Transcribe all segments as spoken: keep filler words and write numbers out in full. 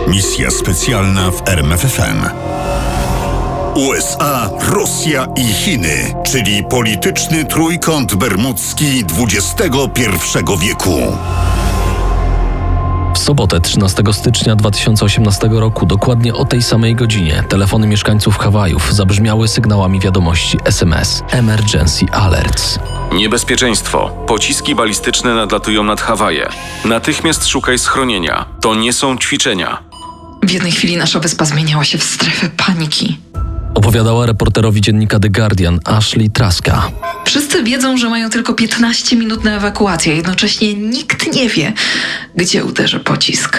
Misja specjalna w R M F F M. U S A, Rosja i Chiny, czyli polityczny trójkąt bermudzki dwudziestego pierwszego wieku. W sobotę trzynastego stycznia dwa tysiące osiemnastego roku, dokładnie o tej samej godzinie, telefony mieszkańców Hawajów zabrzmiały sygnałami wiadomości S M S Emergency Alerts. Niebezpieczeństwo. Pociski balistyczne nadlatują nad Hawaje. Natychmiast szukaj schronienia. To nie są ćwiczenia. W jednej chwili nasza wyspa zmieniała się w strefę paniki. Opowiadała reporterowi dziennika The Guardian Ashley Traska. Wszyscy wiedzą, że mają tylko piętnaście minut na ewakuację. Jednocześnie nikt nie wie, gdzie uderzy pocisk.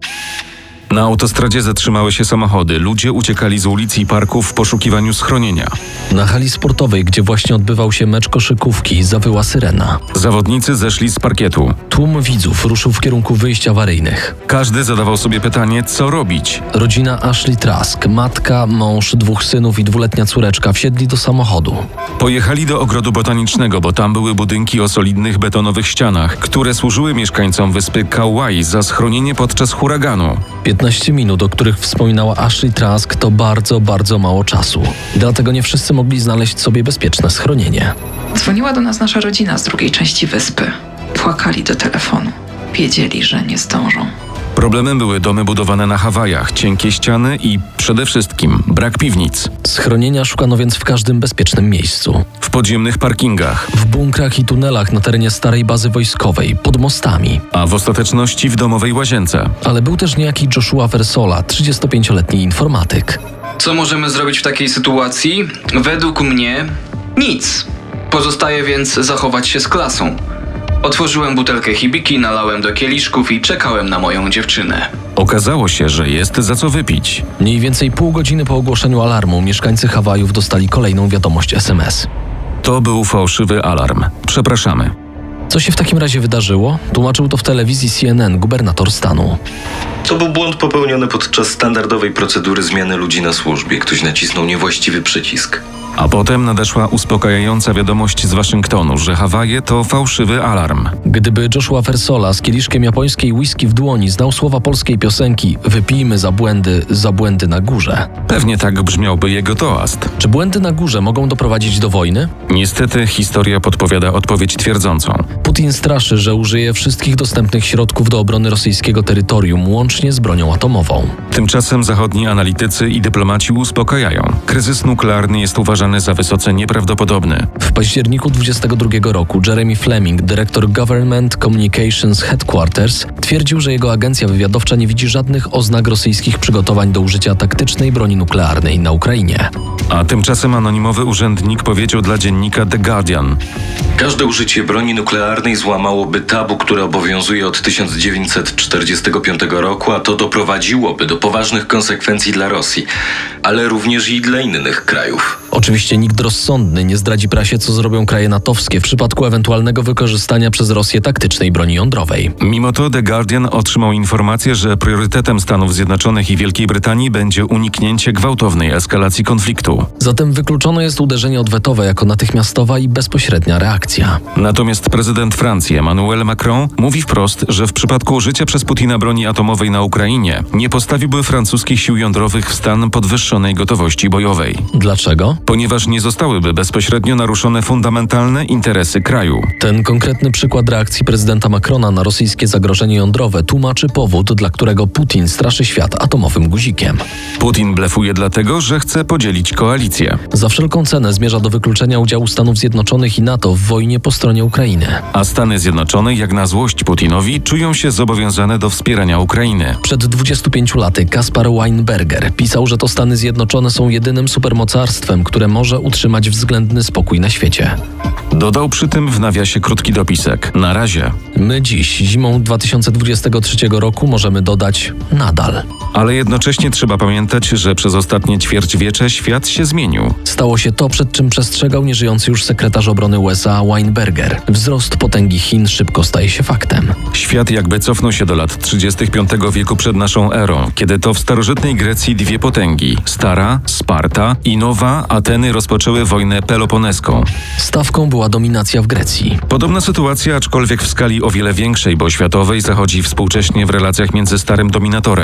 Na autostradzie zatrzymały się samochody. Ludzie uciekali z ulic i parków w poszukiwaniu schronienia. Na hali sportowej, gdzie właśnie odbywał się mecz koszykówki, zawyła syrena. Zawodnicy zeszli z parkietu. Tłum widzów ruszył w kierunku wyjść awaryjnych. Każdy zadawał sobie pytanie, co robić. Rodzina Ashley Trask, matka, mąż, dwóch synów i dwuletnia córeczka wsiedli do samochodu. Pojechali do ogrodu botanicznego, bo tam były budynki o solidnych betonowych ścianach, które służyły mieszkańcom wyspy Kauai za schronienie podczas huraganu. piętnaście minut, o których wspominała Ashley Trask, to bardzo, bardzo mało czasu. Dlatego nie wszyscy mogli znaleźć sobie bezpieczne schronienie. Dzwoniła do nas nasza rodzina z drugiej części wyspy. Płakali do telefonu. Wiedzieli, że nie zdążą. Problemem były domy budowane na Hawajach, cienkie ściany i przede wszystkim brak piwnic. Schronienia szukano więc w każdym bezpiecznym miejscu. W podziemnych parkingach, W bunkrach i tunelach na terenie starej bazy wojskowej, pod mostami. a w ostateczności w domowej łazience. Ale był też niejaki Joshua Versola, trzydziestopięcioletni informatyk. Co możemy zrobić w takiej sytuacji? Według mnie nic. Pozostaje więc zachować się z klasą. Otworzyłem butelkę hibiki, nalałem do kieliszków i czekałem na moją dziewczynę. Okazało się, że jest za co wypić. Mniej więcej pół godziny po ogłoszeniu alarmu mieszkańcy Hawajów dostali kolejną wiadomość S M S. To był fałszywy alarm. Przepraszamy. Co się w takim razie wydarzyło? Tłumaczył to w telewizji C N N gubernator stanu. To był błąd popełniony podczas standardowej procedury zmiany ludzi na służbie. Ktoś nacisnął niewłaściwy przycisk. A potem nadeszła uspokajająca wiadomość z Waszyngtonu, że Hawaje to fałszywy alarm. Gdyby Joshua Versola z kieliszkiem japońskiej whisky w dłoni znał słowa polskiej piosenki „Wypijmy za błędy, za błędy na górze”. Pewnie tak brzmiałby jego toast. Czy błędy na górze mogą doprowadzić do wojny? Niestety historia podpowiada odpowiedź twierdzącą. Putin straszy, że użyje wszystkich dostępnych środków do obrony rosyjskiego terytorium, łącznie z bronią atomową. Tymczasem zachodni analitycy i dyplomaci uspokajają. Kryzys nuklearny jest uważany za wysoce nieprawdopodobny. W październiku dwudziestego drugiego roku Jeremy Fleming, dyrektor Government Communications Headquarters, twierdził, że jego agencja wywiadowcza nie widzi żadnych oznak rosyjskich przygotowań do użycia taktycznej broni nuklearnej na Ukrainie. A tymczasem anonimowy urzędnik powiedział dla dziennika The Guardian: Każde użycie broni nuklearnej złamałoby tabu, które obowiązuje od tysiąc dziewięćset czterdziestego piątego roku, a to doprowadziłoby do poważnych konsekwencji dla Rosji, ale również i dla innych krajów. Oczywiście nikt rozsądny nie zdradzi prasie, co zrobią kraje natowskie w przypadku ewentualnego wykorzystania przez Rosję taktycznej broni jądrowej. Mimo to The Guardian otrzymał informację, że priorytetem Stanów Zjednoczonych i Wielkiej Brytanii będzie uniknięcie gwałtownej eskalacji konfliktu. Zatem wykluczone jest uderzenie odwetowe jako natychmiastowa i bezpośrednia reakcja. Natomiast prezydent Francji Emmanuel Macron mówi wprost, że w przypadku użycia przez Putina broni atomowej na Ukrainie nie postawiłby francuskich sił jądrowych w stan podwyższonej gotowości bojowej. Dlaczego? Ponieważ nie zostałyby bezpośrednio naruszone fundamentalne interesy kraju. Ten konkretny przykład reakcji prezydenta Macrona na rosyjskie zagrożenie jądrowe tłumaczy powód, dla którego Putin straszy świat atomowym guzikiem. Putin blefuje dlatego, że chce podzielić koalicję. Za wszelką cenę zmierza do wykluczenia udziału Stanów Zjednoczonych i NATO w wojnie po stronie Ukrainy. A Stany Zjednoczone, jak na złość Putinowi, czują się zobowiązane do wspierania Ukrainy. Przed dwudziestu pięciu laty Kaspar Weinberger pisał, że to Stany Zjednoczone są jedynym supermocarstwem, które może utrzymać względny spokój na świecie. Dodał przy tym w nawiasie krótki dopisek: na razie. My dziś, zimą dwa tysiące dwudziestego trzeciego roku, możemy dodać nadal. Ale jednocześnie trzeba pamiętać, że przez ostatnie ćwierćwiecze świat się zmienił. Stało się to, przed czym przestrzegał nieżyjący już sekretarz obrony U S A Weinberger. Wzrost potęgi Chin szybko staje się faktem. Świat jakby cofnął się do lat trzydziestych piątego wieku przed naszą erą, kiedy to w starożytnej Grecji dwie potęgi, stara, Sparta i nowa, Ateny, rozpoczęły wojnę peloponeską. Stawką była dominacja w Grecji. Podobna sytuacja, aczkolwiek w skali o wiele większej, bo światowej, zachodzi współcześnie w relacjach między starym dominatorem.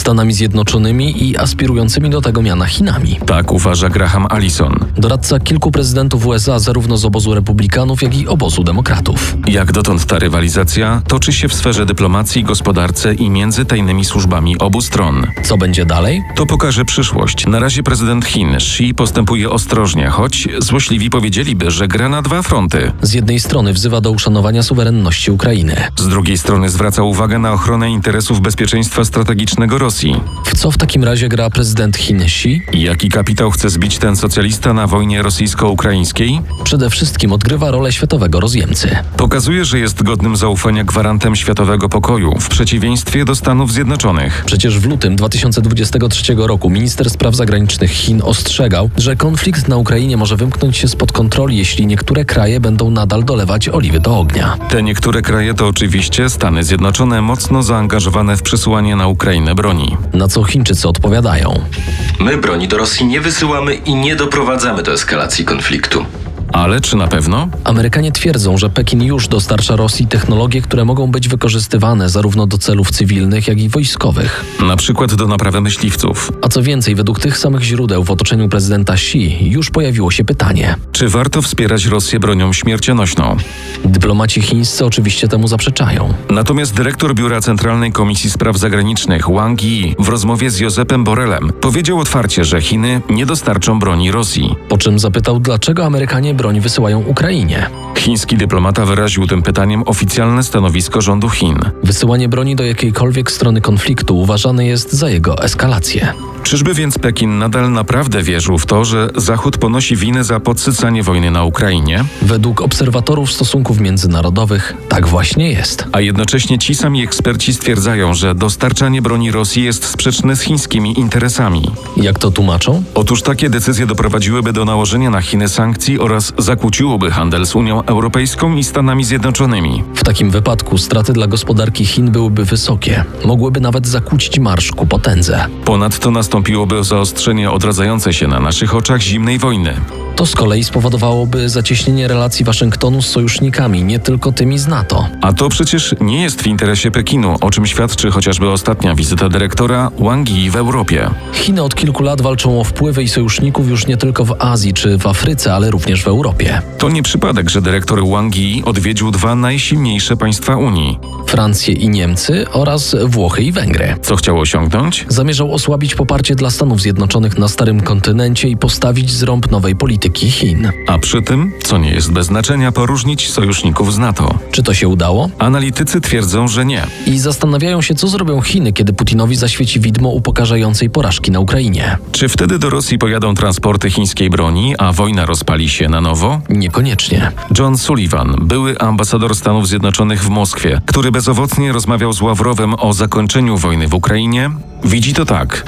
Stanami Zjednoczonymi i aspirującymi do tego miana Chinami. Tak uważa Graham Allison. Doradca kilku prezydentów U S A zarówno z obozu republikanów, jak i obozu demokratów. Jak dotąd ta rywalizacja toczy się w sferze dyplomacji, gospodarce i między tajnymi służbami obu stron. Co będzie dalej? To pokaże przyszłość. Na razie prezydent Chin Xi postępuje ostrożnie, choć złośliwi powiedzieliby, że gra na dwa fronty. Z jednej strony wzywa do uszanowania suwerenności Ukrainy. Z drugiej strony zwraca uwagę na ochronę interesów bezpieczeństwa strategicznego Rosji. W co w takim razie gra prezydent Chin Xi? I jaki kapitał chce zbić ten socjalista na wojnie rosyjsko-ukraińskiej? Przede wszystkim odgrywa rolę światowego rozjemcy. Pokazuje, że jest godnym zaufania gwarantem światowego pokoju, w przeciwieństwie do Stanów Zjednoczonych. Przecież w lutym dwa tysiące dwudziestego trzeciego roku minister spraw zagranicznych Chin ostrzegał, że konflikt na Ukrainie może wymknąć się spod kontroli, jeśli niektóre kraje będą nadal dolewać oliwy do ognia. Te niektóre kraje to oczywiście Stany Zjednoczone, mocno zaangażowane w przesyłanie na Ukrainę broni. Na co Chińczycy odpowiadają. My broni do Rosji nie wysyłamy i nie doprowadzamy do eskalacji konfliktu. Ale czy na pewno? Amerykanie twierdzą, że Pekin już dostarcza Rosji technologie, które mogą być wykorzystywane zarówno do celów cywilnych, jak i wojskowych. Na przykład do naprawy myśliwców. A co więcej, według tych samych źródeł w otoczeniu prezydenta Xi już pojawiło się pytanie. Czy warto wspierać Rosję bronią śmiercionośną? Dyplomaci chińscy oczywiście temu zaprzeczają. Natomiast dyrektor Biura Centralnej Komisji Spraw Zagranicznych Wang Yi w rozmowie z Josepem Borrellem powiedział otwarcie, że Chiny nie dostarczą broni Rosji. Po czym zapytał, dlaczego Amerykanie broń wysyłają Ukrainie. Chiński dyplomata wyraził tym pytaniem oficjalne stanowisko rządu Chin. Wysyłanie broni do jakiejkolwiek strony konfliktu uważane jest za jego eskalację. Czyżby więc Pekin nadal naprawdę wierzył w to, że Zachód ponosi winę za podsycanie wojny na Ukrainie? Według obserwatorów stosunków międzynarodowych tak właśnie jest. A jednocześnie ci sami eksperci stwierdzają, że dostarczanie broni Rosji jest sprzeczne z chińskimi interesami. Jak to tłumaczą? Otóż takie decyzje doprowadziłyby do nałożenia na Chiny sankcji oraz zakłóciłoby handel z Unią Europejską i Stanami Zjednoczonymi. W takim wypadku straty dla gospodarki Chin byłyby wysokie. Mogłyby nawet zakłócić marsz ku potędze. Ponadto nastąpiłoby zaostrzenie odradzającej się na naszych oczach zimnej wojny. To z kolei spowodowałoby zacieśnienie relacji Waszyngtonu z sojusznikami, nie tylko tymi z NATO. A to przecież nie jest w interesie Pekinu, o czym świadczy chociażby ostatnia wizyta dyrektora Wang Yi w Europie. Chiny od kilku lat walczą o wpływy i sojuszników już nie tylko w Azji czy w Afryce, ale również w Europie. To nie przypadek, że dyrektor Wang Yi odwiedził dwa najsilniejsze państwa Unii. Francję i Niemcy oraz Włochy i Węgry. Co chciał osiągnąć? Zamierzał osłabić poparcie dla Stanów Zjednoczonych na starym kontynencie i postawić zrąb nowej polityki Chin. A przy tym, co nie jest bez znaczenia, poróżnić sojuszników z NATO. Czy to się udało? Analitycy twierdzą, że nie. I zastanawiają się, co zrobią Chiny, kiedy Putinowi zaświeci widmo upokarzającej porażki na Ukrainie. Czy wtedy do Rosji pojadą transporty chińskiej broni, a wojna rozpali się na nowo? Niekoniecznie. John Sullivan, były ambasador Stanów Zjednoczonych w Moskwie, który bezowocnie rozmawiał z Ławrowem o zakończeniu wojny w Ukrainie, widzi to tak.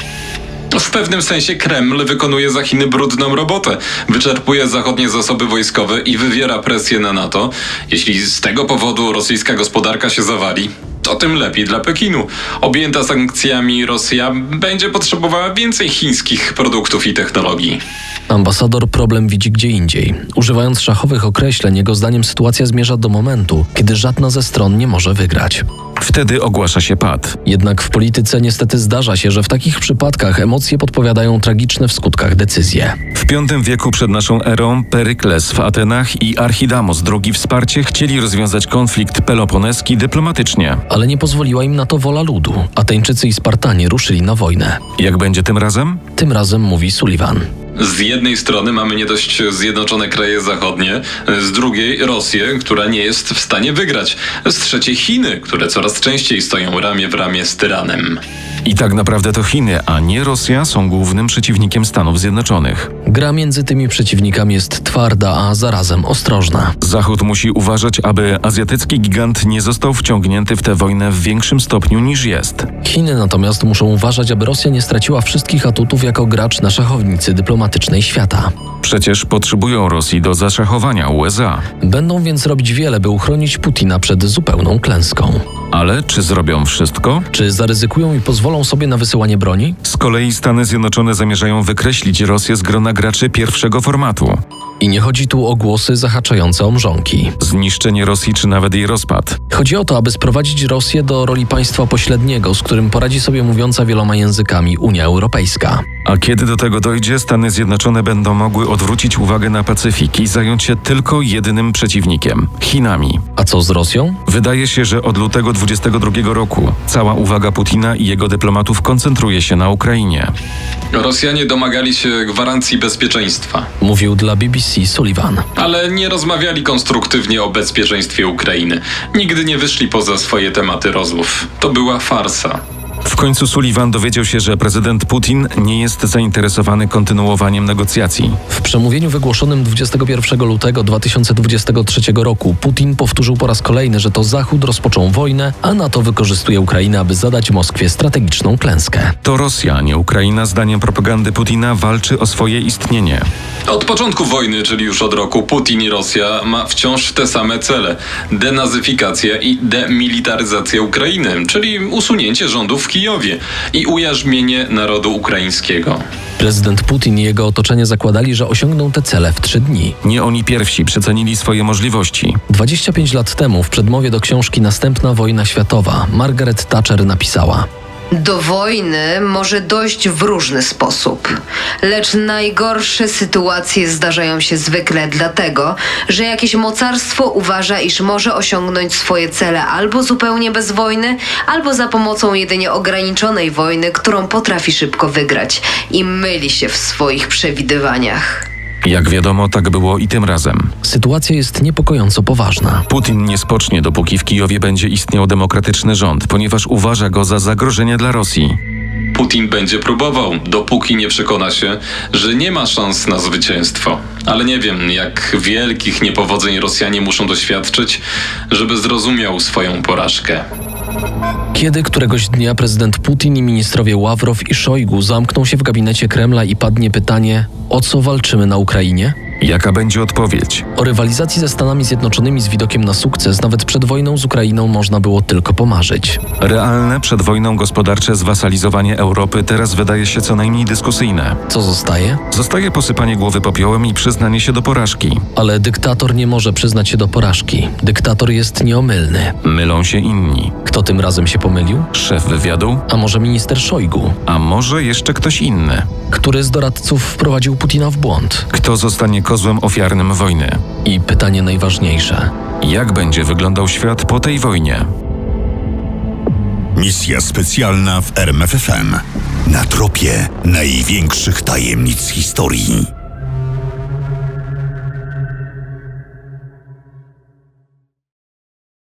W pewnym sensie Kreml wykonuje za Chiny brudną robotę. Wyczerpuje zachodnie zasoby wojskowe i wywiera presję na NATO. Jeśli z tego powodu rosyjska gospodarka się zawali, to tym lepiej dla Pekinu. Objęta sankcjami Rosja będzie potrzebowała więcej chińskich produktów i technologii. Ambasador problem widzi gdzie indziej. Używając szachowych określeń, jego zdaniem sytuacja zmierza do momentu, kiedy żadna ze stron nie może wygrać. Wtedy ogłasza się pad. Jednak w polityce niestety zdarza się, że w takich przypadkach emocje podpowiadają tragiczne w skutkach decyzje. W piątym wieku przed naszą erą Perykles w Atenach i Archidamos drugi wsparcie chcieli rozwiązać konflikt peloponeski dyplomatycznie. Ale nie pozwoliła im na to wola ludu. Ateńczycy i Spartanie ruszyli na wojnę. Jak będzie tym razem? Tym razem mówi Sullivan. Z jednej strony mamy nie dość zjednoczone kraje zachodnie, z drugiej Rosję, która nie jest w stanie wygrać, z trzeciej Chiny, które coraz częściej stoją ramię w ramię z tyranem. I tak naprawdę to Chiny, a nie Rosja są głównym przeciwnikiem Stanów Zjednoczonych. Gra między tymi przeciwnikami jest twarda, a zarazem ostrożna. Zachód musi uważać, aby azjatycki gigant nie został wciągnięty w tę wojnę w większym stopniu niż jest. Chiny natomiast muszą uważać, aby Rosja nie straciła wszystkich atutów jako gracz na szachownicy dyplomatycznej świata. Przecież potrzebują Rosji do zaszachowania U S A. Będą więc robić wiele, by uchronić Putina przed zupełną klęską. Ale czy zrobią wszystko? Czy zaryzykują i pozwolą sobie na wysyłanie broni? Z kolei Stany Zjednoczone zamierzają wykreślić Rosję z grona graczy pierwszego formatu. I nie chodzi tu o głosy zahaczające o mrzonki. Zniszczenie Rosji czy nawet jej rozpad. Chodzi o to, aby sprowadzić Rosję do roli państwa pośredniego, z którym poradzi sobie mówiąca wieloma językami Unia Europejska. A kiedy do tego dojdzie, Stany Zjednoczone będą mogły odwrócić uwagę na Pacyfik i zająć się tylko jedynym przeciwnikiem – Chinami. A co z Rosją? Wydaje się, że od lutego dwudziestego drugiego roku cała uwaga Putina i jego dyplomatów koncentruje się na Ukrainie. Rosjanie domagali się gwarancji bezpieczeństwa, Mówił dla B B C Sullivan. ale nie rozmawiali konstruktywnie o bezpieczeństwie Ukrainy. Nigdy nie wyszli poza swoje tematy rozmów. To była farsa. W końcu Sullivan dowiedział się, że prezydent Putin nie jest zainteresowany kontynuowaniem negocjacji. W przemówieniu wygłoszonym dwudziestego pierwszego lutego dwa tysiące dwudziestego trzeciego roku Putin powtórzył po raz kolejny, że to Zachód rozpoczął wojnę, a NATO wykorzystuje Ukrainę, aby zadać Moskwie strategiczną klęskę. To Rosja, a nie Ukraina, zdaniem propagandy Putina, walczy o swoje istnienie. Od początku wojny, czyli już od roku, Putin i Rosja ma wciąż te same cele. Denazyfikacja i demilitaryzacja Ukrainy, czyli usunięcie rządów w Kijowie i ujarzmienie narodu ukraińskiego. Prezydent Putin i jego otoczenie zakładali, że osiągną te cele w trzy dni. Nie oni pierwsi przecenili swoje możliwości. dwadzieścia pięć lat temu w przedmowie do książki Następna wojna światowa Margaret Thatcher napisała: Do wojny może dojść w różny sposób, lecz najgorsze sytuacje zdarzają się zwykle dlatego, że jakieś mocarstwo uważa, iż może osiągnąć swoje cele albo zupełnie bez wojny, albo za pomocą jedynie ograniczonej wojny, którą potrafi szybko wygrać i myli się w swoich przewidywaniach. Jak wiadomo, tak było i tym razem. Sytuacja jest niepokojąco poważna. Putin nie spocznie, dopóki w Kijowie będzie istniał demokratyczny rząd, ponieważ uważa go za zagrożenie dla Rosji. Putin będzie próbował, dopóki nie przekona się, że nie ma szans na zwycięstwo. Ale nie wiem, jak wielkich niepowodzeń Rosjanie muszą doświadczyć, żeby zrozumiał swoją porażkę. Kiedy któregoś dnia prezydent Putin i ministrowie Ławrow i Szojgu zamkną się w gabinecie Kremla i padnie pytanie, o co walczymy na Ukrainie? Jaka będzie odpowiedź? O rywalizacji ze Stanami Zjednoczonymi z widokiem na sukces nawet przed wojną z Ukrainą można było tylko pomarzyć. Realne przed wojną gospodarcze zwasalizowanie Europy teraz wydaje się co najmniej dyskusyjne. Co zostaje? Zostaje posypanie głowy popiołem i przyznanie się do porażki. Ale dyktator nie może przyznać się do porażki. Dyktator jest nieomylny. Mylą się inni. Kto tym razem się pomylił? Szef wywiadu? A może minister Szojgu, A może jeszcze ktoś inny? który z doradców wprowadził Putina w błąd? Kto zostanie kozłem ofiarnym wojny? I pytanie najważniejsze. Jak będzie wyglądał świat po tej wojnie? Misja specjalna w R M F F M. Na tropie największych tajemnic historii.